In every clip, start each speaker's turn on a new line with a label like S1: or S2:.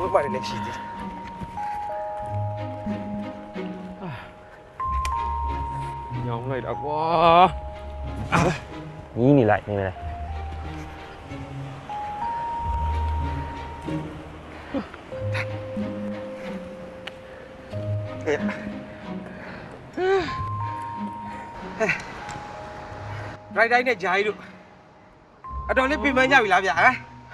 S1: မှလည်းရှိသေးတယ်ညောင်းလိုက်တာကွာညီးနေလိုက်နေလိုက်ရိုက်တိုင်းနဲ့ဂျာကြီးတို့အတော်လေးပြင်ပန်းကြပြီလားဗျာဟမ်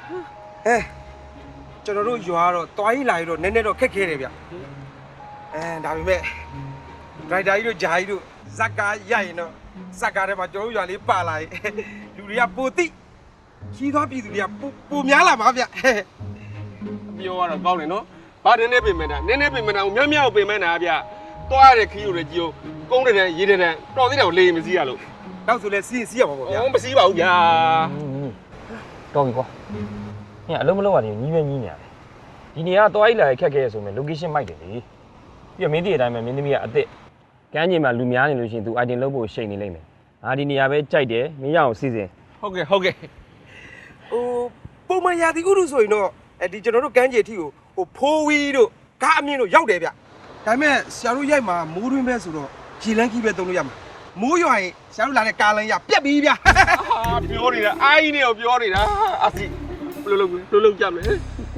S1: ကျွန်တော်တို့ရွာတော့တွားကြီးလာပြီးတော့နည်းနည်းတော့ခက်ခဲတယ်ဗျဒါပေမဲ့ရိုက်တာကြီးတို့ဂျာကြီးတို့ဇက်ကားရိုက်ရင်တော့ဇက်ကားထဲမှာကျွန်တော်တို့ရွာလေးပါလာရင်လူတွေကပိုတိကြီးသွားပြည်သူတွေကပိုများလာပါဗျ
S2: ပြောရတော့ကောင်းတယ်နော်ဘာနည်းနည်းပြင်မဲ့တာနည်းနည်းပြင်မဲ့တာကိုမြောက်မြောက်ပြင်မဲ့တာဗျတွားရတဲ့ခီးကိုလည်းကြည့်ကုန်းတဲ့ရေးတဲ့တော်သေးတယ်ကိုလေမစည်းရလို့
S1: နောက်ဆိုလဲစီးရပါပေါ့ဗျာ
S2: မစည်းပါဘူးဗျာ
S3: တော်ပြီကွာညအလုံးမလုံးပါနဲ့ညီးပဲညီးနေရတယ်ဒီနေရာတော့အိလာခက်ခဲရဆိုမယ် location မိုက်တယ်လေပြီးတော့မင်းတီအတိုင်းပဲမင်းသမီးကအစ်စ်ကမ်းခြေမှာလူများနေလို့ရှိရင် तू item လုပ်ဖို့ရှိန်နေလိမ့်မယ်ငါဒီနေရာပဲကြိုက်တယ်မင်းရအောင်စီစဉ်
S2: ဟုတ်ကဲ့
S1: ပုံမှန်ရာသီဥတုဆိုရင်တော့ဒီကျွန်တော်တို့ကမ်းခြေအထိကိုဖိုးဝီးတို့ကားအမြင့်တို့ရောက်တယ်ဗျဒါပေမဲ့ဆရာတို့ရိုက်မှာမိုးတွင်းပဲဆိုတော့ရေလန်းကြီးပဲသုံးလို့ရမှာမိုးရွာရင်ဆရာတို့လာတဲ့ကားလမ်းရပြက်ပြီဗျ
S2: ပြောနေတာအိုင်းနေကိုပြောနေတာအစီဘယ်လိုကြမလဲ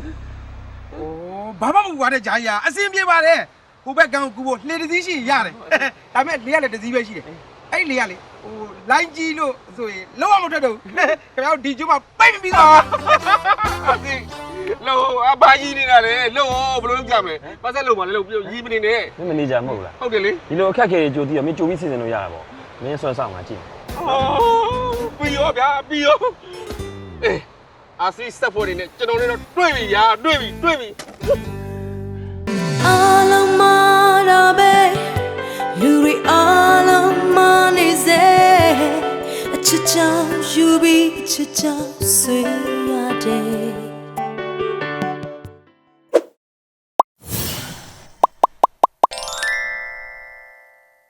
S1: ဘာမှမဟုတ်ပါနဲ့ဂျာကြီးအစင်ပြေပါတယ်ဟိုဘက်ကန်းကူဖို့လှေတစ်စီးရှိရတယ်ဒါပေမဲ့လေကလည်းတစ်စီးပဲရှိတယ်အဲ့လေကလေလိုင်းကြီးလို့ဆိုရင်လုံးဝမထွက်တော့ဘူးခင်ဗျားတို့ဒီကျိုးမှာပိတ်ပြီးတော့
S2: အစီလို့အဘာကြီးနေတာလေလို့ဘယ်လိုလုပ်ကြမလဲပတ်ဆက်လို့ပါလေလို့ပြောရီးမနေနဲ့
S3: မင်းမနေကြမဟုတ်လား
S2: ဟုတ်တယ်လေ
S3: ဒီလိုအခက်ခဲကြိုပြီးတော့မင်းကြိုပြီးစီစဉ်လို့ရတာပေါ့မင်းဆွဲဆောင်မှာကြည့်
S2: ပြီးရောဗျာပြီးရောအစီစက်ဖို့နေနဲ့ကျွန်တော်လည်းတော့တွေ့ပြီညာတွေ့ပြီ
S4: အားလုံးမတော့ပဲလူတွေအားလုံးမနေစေအချစ်ချောင်းယူပြီးအချစ်ချောင်းဆွေးရတယ်